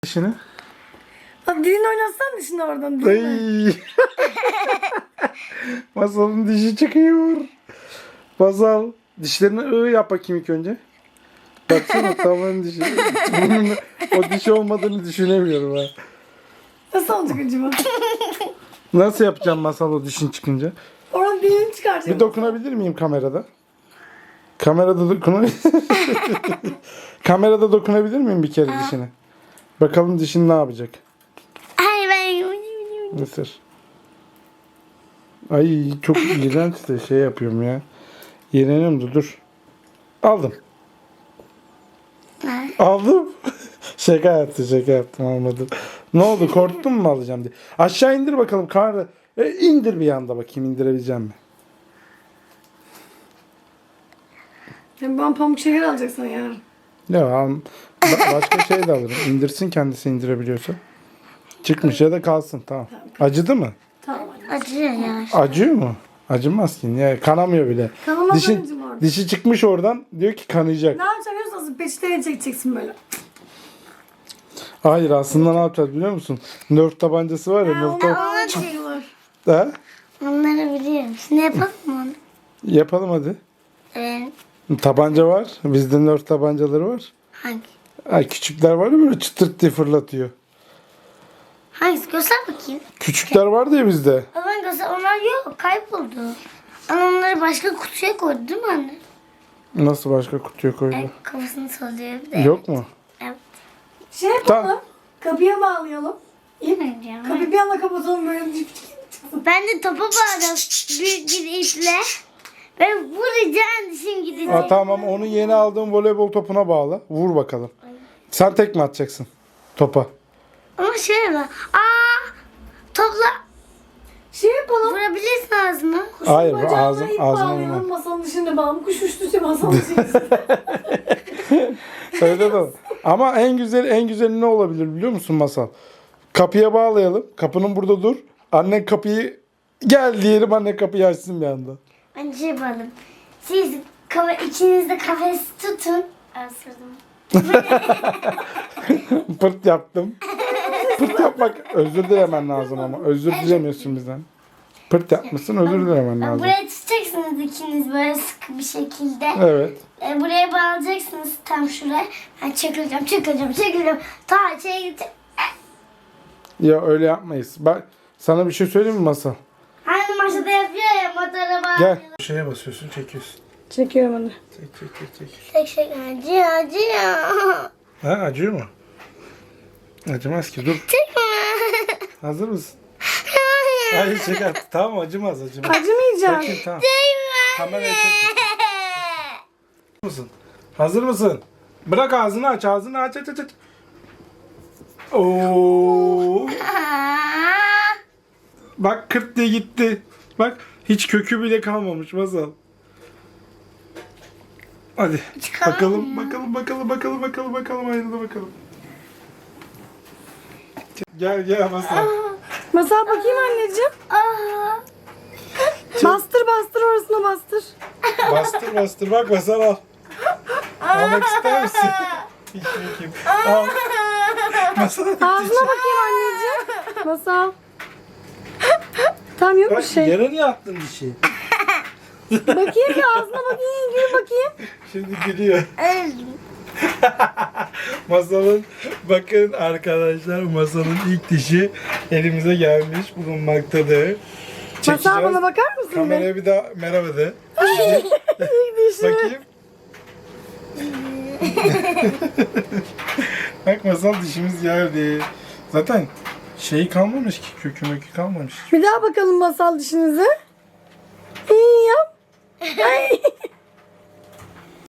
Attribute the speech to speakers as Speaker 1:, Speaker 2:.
Speaker 1: Dişini.
Speaker 2: Bak dilini oynatsan dişini oradan değil mi?
Speaker 1: Ay. Masalın dişi çıkıyor. Masal dişlerini yap bakayım ilk önce. Baksana tamamen dişi. Bunun o dişi olmadığını düşünemiyorum ha.
Speaker 2: Nasıl olacak acaba?
Speaker 1: Nasıl yapacağım Masal o dişin çıkınca?
Speaker 2: Oradan dilini çıkartacağım.
Speaker 1: Bir dokunabilir miyim kamerada? Kamerada Kamerada dokunabilir miyim bir kere dişine? Bakalım dişin ne yapacak?
Speaker 3: Ay ben
Speaker 1: Mısır. Ay çok iğrenç de şey yapıyorum ya. İğreniyorum da dur. Aldım. Aldım. Şaka yaptım almadım. Ne oldu korktun mu alacağım diye. Aşağı indir bakalım karnı. İndir bir yanda bakayım indirebileceğim mi?
Speaker 2: Yani ben pamuk şeker alacaksın yarın.
Speaker 1: Ya başka şey de alırım. İndirsin kendisi indirebiliyorsa. Çıkmış ya da kalsın tamam. Acıdı mı?
Speaker 2: Tamam.
Speaker 3: acıyor ya.
Speaker 1: Acıyor mu? Acımaz ki. Ya, kanamıyor bile.
Speaker 2: Kanamaz anneciğim orada.
Speaker 1: Dişi çıkmış oradan diyor ki kanayacak.
Speaker 2: Ne yapacaksın biliyor musun? Peçeteye çekeceksin böyle.
Speaker 1: Hayır aslında ne yapacağız biliyor musun? Nerf tabancası var ya.
Speaker 2: Ha,
Speaker 1: Nerf
Speaker 2: onu
Speaker 1: tabancası.
Speaker 2: çekiyorlar.
Speaker 1: Ha?
Speaker 3: Onları biliyorum. Şimdi yapalım mı onu?
Speaker 1: Yapalım hadi.
Speaker 3: Evet.
Speaker 1: Tabanca var. Bizde Nerf tabancaları var.
Speaker 3: Hangi?
Speaker 1: Ha, küçükler var ya böyle çıtırt diye fırlatıyor.
Speaker 3: Hangisi? Göster bakayım.
Speaker 1: Küçükler vardı ya bizde.
Speaker 3: Ama göster. Onlar yok. Kayboldu. Ama onları başka kutuya koydu değil mi anne?
Speaker 1: Nasıl başka kutuya koydu?
Speaker 3: Kafasını sallıyor bir de.
Speaker 1: Yok mu?
Speaker 3: Evet.
Speaker 2: Şey yapalım.
Speaker 1: Tamam.
Speaker 2: Kapıya bağlayalım.
Speaker 3: Yemeyeceğim.
Speaker 2: Kapıyı bir anda kapatalım böyle.
Speaker 3: Ben de topa bağladım. Büyük bir iple. Ve vuracağım dişim gidecek.
Speaker 1: Ha, tamam onu yeni aldığım voleybol topuna bağla. Vur bakalım. Sen tek mi atacaksın topa?
Speaker 3: Ama şöyle bak. Topla
Speaker 2: Şey yapalım.
Speaker 3: vurabilirsin ağzına.
Speaker 1: Hayır
Speaker 2: Bacağına
Speaker 1: ağzım
Speaker 2: ip
Speaker 1: ağzıma
Speaker 2: bağlayalım.
Speaker 1: vurma.
Speaker 2: Masanın dışında bağlayalım. Kuş uçtuysa masanın dışında.
Speaker 1: Öyle de olur. Ama en güzeli ne olabilir biliyor musun Masal? Kapıya bağlayalım. Kapının burada dur. Annen kapıyı gel diyelim anne kapıyı açsın bir anda.
Speaker 3: Ben şey yapalım. Siz içinizde kafes tutun. Asırdım.
Speaker 1: Pırt yaptım. Pırt yapmak özür dilemen lazım ama. Özür dilemiyorsun bizden. Pırt yapmışsın özür dilemen lazım.
Speaker 3: Buraya tutacaksınız ikiniz böyle sıkı bir şekilde.
Speaker 1: Evet.
Speaker 3: Buraya bağlayacaksınız tam şuraya. Ben çekileceğim. Ta şeye gideceğim.
Speaker 1: Ya öyle yapmayız. Bak sana bir şey söyleyeyim mi Masal?
Speaker 3: Hani maşada yapıyor ya motora bağlıyor.
Speaker 1: Gel. Şeye basıyorsun çekiyorsun.
Speaker 2: Çekiyorum onu.
Speaker 1: Çek.
Speaker 3: Tek şey acıyor.
Speaker 1: Ha acıyor mu? Acımaz ki dur.
Speaker 3: Çekme.
Speaker 1: Hazır mısın?
Speaker 3: Hayır.
Speaker 1: Hayır şaka. Tamam acımaz.
Speaker 2: Acımayacak.
Speaker 1: Çekin tamam.
Speaker 3: Değme.
Speaker 1: Kameraya çek. Mısın? Hazır mısın? Bırak ağzını aç. Aç. Oo. Bak kırt diye gitti. Bak hiç kökü bile kalmamış Masal. Hadi
Speaker 3: Çıkalım
Speaker 1: bakalım aynada bakalım. Gel Masal.
Speaker 2: Masal bakayım anneciğim. Bastır orasına bastır.
Speaker 1: Bastır bak Masal al. Almak ister misin? Hiç bakayım. Al. Masal.
Speaker 2: Ağzına bakayım anneciğim. Masal. Tam yok bir
Speaker 1: Bak
Speaker 2: şey.
Speaker 1: yere niye attın dişi?
Speaker 2: Bakayım bir ağzına bakayım. Gül bakayım.
Speaker 1: Şimdi gülüyor. Masalın bakın arkadaşlar Masalın ilk dişi elimize gelmiş bulunmaktadır.
Speaker 2: Masal bana bakar mısın?
Speaker 1: Kameraya bir daha merhaba de.
Speaker 2: Dişi.
Speaker 1: Bakayım. Bak Masal dişimiz geldi. Zaten şeyi kalmamış ki kökü kalmamış.
Speaker 2: Bir daha bakalım masal dişinize. İyi yap. Ay.